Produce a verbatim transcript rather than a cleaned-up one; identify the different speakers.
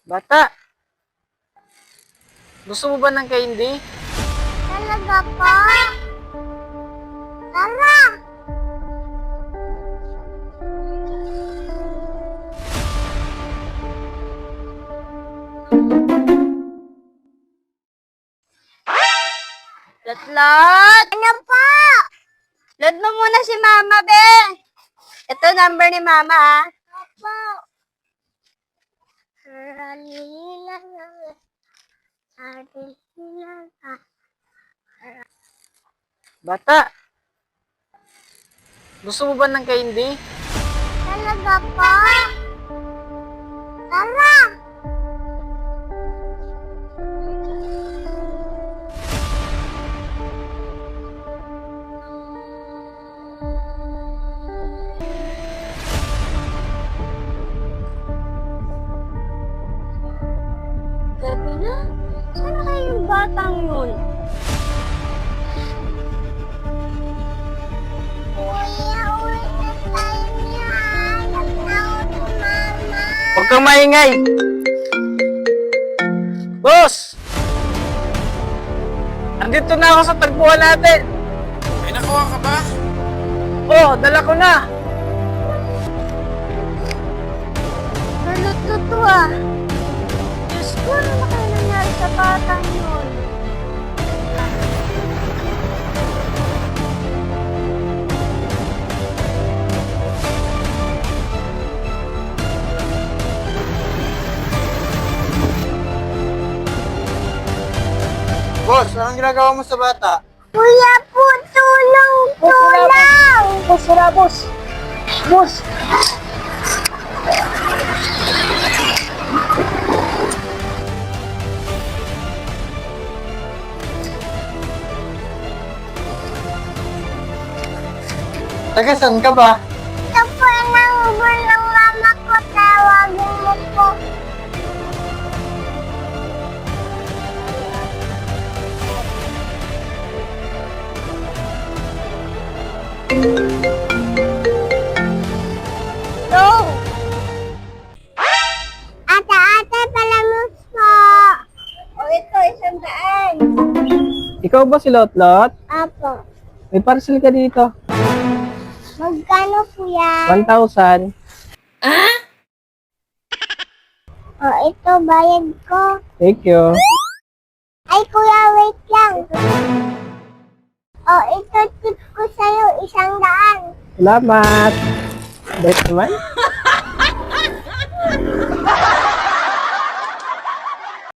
Speaker 1: Bata, gusto mo ba ng candy?
Speaker 2: Talaga po? Tara!
Speaker 3: Latlot!
Speaker 2: Ano po?
Speaker 3: Load mo muna si Mama, be. Ito number ni Mama, ah.
Speaker 2: Opo. Ralila na. Ralila na.
Speaker 1: Bata, gusto mo ba ng candy?
Speaker 2: Talaga po? Tara!
Speaker 3: Gabi na? Sana kayo yung batang yun?
Speaker 2: Kuya, uwi na tayo niya. Nagtawag si Mama.
Speaker 1: Huwag kang maingay! Boss! Andito na ako sa tagpuan natin!
Speaker 4: May nakuha ka ba?
Speaker 1: Oh, dala ko na!
Speaker 3: Naluto to, ah. Diyos ko, ano na kayo nangyari sa batang yun?
Speaker 1: Boss, anong ginagawa mo sa bata?
Speaker 2: Kuya po, tulong, tulong!
Speaker 1: Boss, wala boss! Boss! Taga saan ka ba?
Speaker 2: Ito po ang nanguhul ng mama ko. Tawagin mo po.
Speaker 3: No!
Speaker 2: Ate, ate, palamus po.
Speaker 3: O ito, isang daan.
Speaker 1: Ikaw ba si Lotlot?
Speaker 2: Apo.
Speaker 1: May parcel ka dito.
Speaker 2: Magkano po yan?
Speaker 1: one thousand.
Speaker 2: O, ito, bayad ko.
Speaker 1: Thank you.
Speaker 2: Ay, kuya, wait lang. O, ito, tip ko sa'yo, isang daan.
Speaker 1: Salamat. Best naman.